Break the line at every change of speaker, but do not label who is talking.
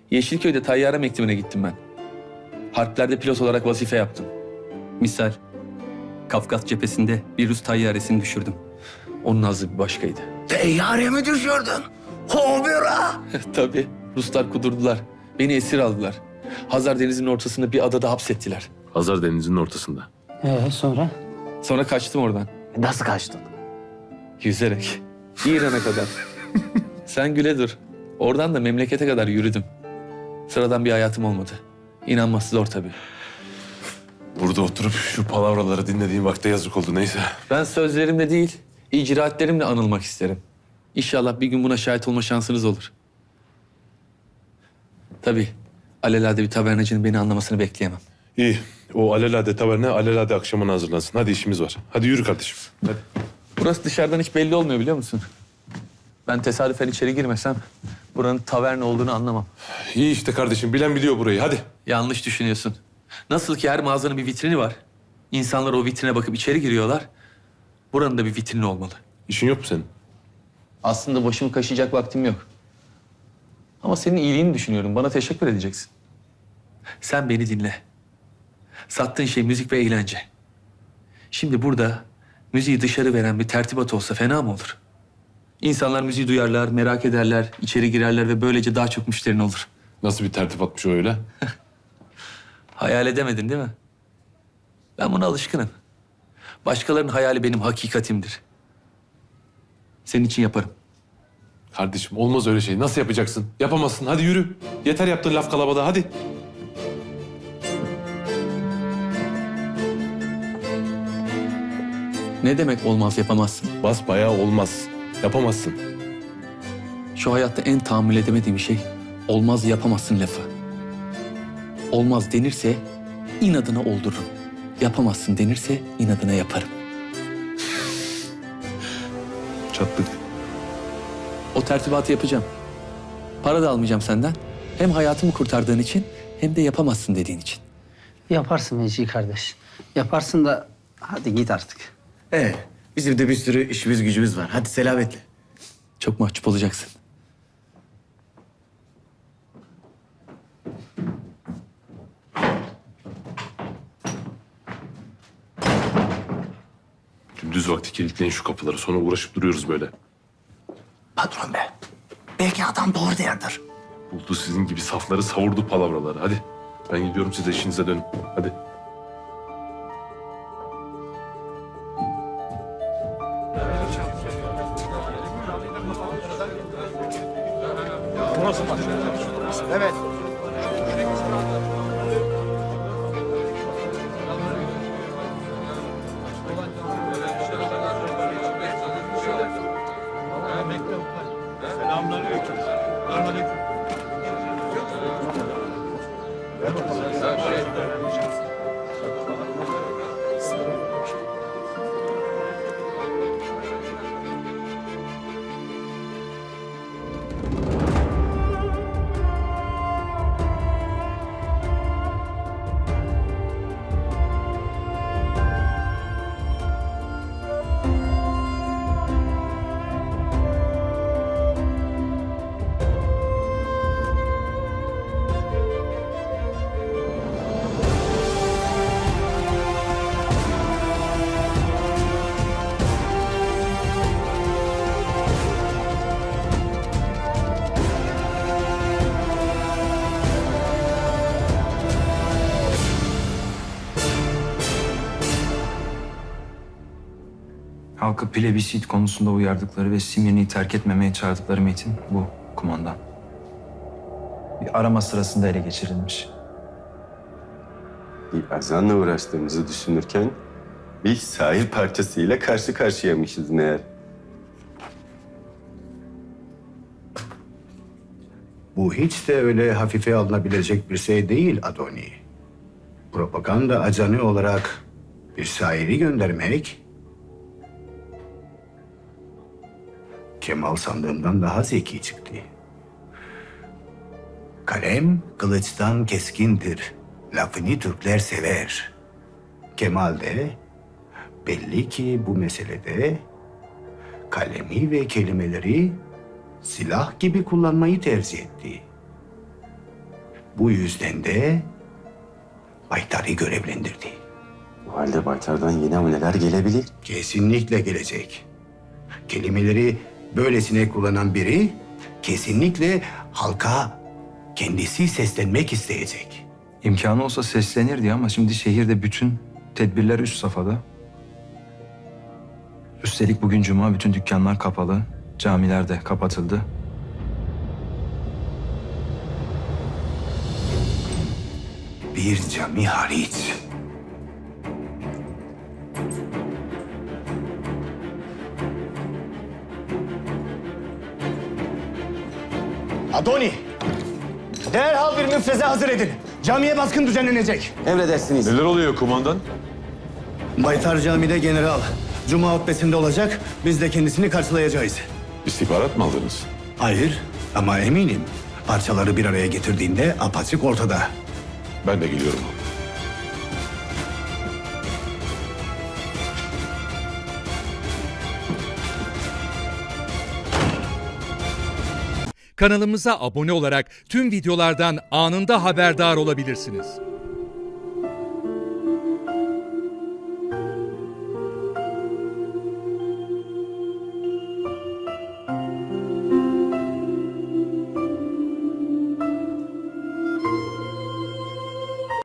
Yeşilköy'de tayyare mektemine gittim ben. Harplerde pilot olarak vazife yaptım. Misal, Kafkas cephesinde bir Rus tayyaresini düşürdüm. Onun hazzı bir başkaydı.
Teyyare mi düşürdün? Hobira!
Tabii, Ruslar kudurdular. Beni esir aldılar. Hazar Denizi'nin ortasında bir adada hapsettiler.
Hazar Denizi'nin ortasında.
Sonra?
Sonra kaçtım oradan.
Nasıl kaçtın?
Yüzerek. İran'a kadar. Sen güle dur. Oradan da memlekete kadar yürüdüm. Sıradan bir hayatım olmadı. İnanması zor tabii.
Burada oturup şu palavraları dinlediğim vakte yazık oldu neyse.
Ben sözlerimle değil, icraatlerimle anılmak isterim. İnşallah bir gün buna şahit olma şansınız olur. Tabii, alelade bir tabernacının beni anlamasını bekleyemem.
İyi. O alelade taverne alelade akşamına hazırlansın. Hadi işimiz var. Hadi yürü kardeşim. Hadi.
Burası dışarıdan hiç belli olmuyor biliyor musun? Ben tesadüfen içeri girmesem buranın taverne olduğunu anlamam.
İyi işte kardeşim. Bilen biliyor burayı. Hadi.
Yanlış düşünüyorsun. Nasıl ki her mağazanın bir vitrini var. İnsanlar o vitrine bakıp içeri giriyorlar. Buranın da bir vitrini olmalı.
İşin yok mu senin?
Aslında başımı kaşıyacak vaktim yok. Ama senin iyiliğini düşünüyorum. Bana teşekkür edeceksin. Sen beni dinle. Sattığın şey müzik ve eğlence. Şimdi burada müziği dışarı veren bir tertibat olsa fena mı olur? İnsanlar müziği duyarlar, merak ederler, içeri girerler ve böylece daha çok müşterin olur.
Nasıl bir tertip atmış o öyle?
Hayal edemedin değil mi? Ben buna alışkınım. Başkalarının hayali benim hakikatimdir. Senin için yaparım.
Kardeşim olmaz öyle şey. Nasıl yapacaksın? Yapamazsın. Hadi yürü. Yeter yaptığın laf kalabalığı. Hadi.
Ne demek olmaz yapamazsın?
Basbayağı olmaz. Yapamazsın.
Şu hayatta en tahammül edemediğim şey olmaz yapamazsın lafı. Olmaz denirse inadına oldururum. Yapamazsın denirse inadına yaparım.
Çattık.
O tertibatı yapacağım. Para da almayacağım senden. Hem hayatımı kurtardığın için hem de yapamazsın dediğin için.
Yaparsın Vecihi kardeş. Yaparsın da hadi git artık.
Bizim de bir sürü işimiz gücümüz var. Hadi selametle.
Çok mahcup olacaksın.
Gündüz vakti kilitleyin şu kapıları. Sonra uğraşıp duruyoruz böyle.
Patron be. Belki adam doğru derdir.
Buldu sizin gibi safları, savurdu palavraları. Hadi. Ben gidiyorum, siz de işinize dönün. Hadi.
Halkı plebisit konusunda uyardıkları ve Simyoni'yi terk etmemeye çağırdıkları metin bu, kumandan. Bir arama sırasında ele geçirilmiş.
Bir azanla uğraştığımızı düşünürken bir sahil parçasıyla karşı karşıyaymışız meğer.
Bu hiç de öyle hafife alınabilecek bir şey değil Adoni. Propaganda ajanı olarak bir şairi göndermek Kemal sandığımdan daha zeki çıktı. Kalem kılıçtan keskindir. Lafını Türkler sever. Kemal de belli ki bu meselede kalemi ve kelimeleri silah gibi kullanmayı tercih etti. Bu yüzden de Baytar'ı görevlendirdi.
O halde Baytar'dan yeni hamleler gelebilir.
Kesinlikle gelecek. Kelimeleri böylesine kullanan biri kesinlikle halka kendisi seslenmek isteyecek.
İmkanı olsa seslenirdi ama şimdi şehirde bütün tedbirler üst safhada. Üstelik bugün cuma, bütün dükkanlar kapalı. Camiler de kapatıldı.
Bir cami hariç.
Adoni, derhal bir müfreze hazır edin. Camiye baskın düzenlenecek.
Emredersiniz.
Neler oluyor kumandan?
Baytar Camii'de general Cuma hutbesinde olacak. Biz de kendisini karşılayacağız.
İstihbarat mı aldınız?
Hayır ama eminim parçaları bir araya getirdiğinde apaçık ortada.
Ben de geliyorum.
Kanalımıza abone olarak tüm videolardan anında haberdar olabilirsiniz.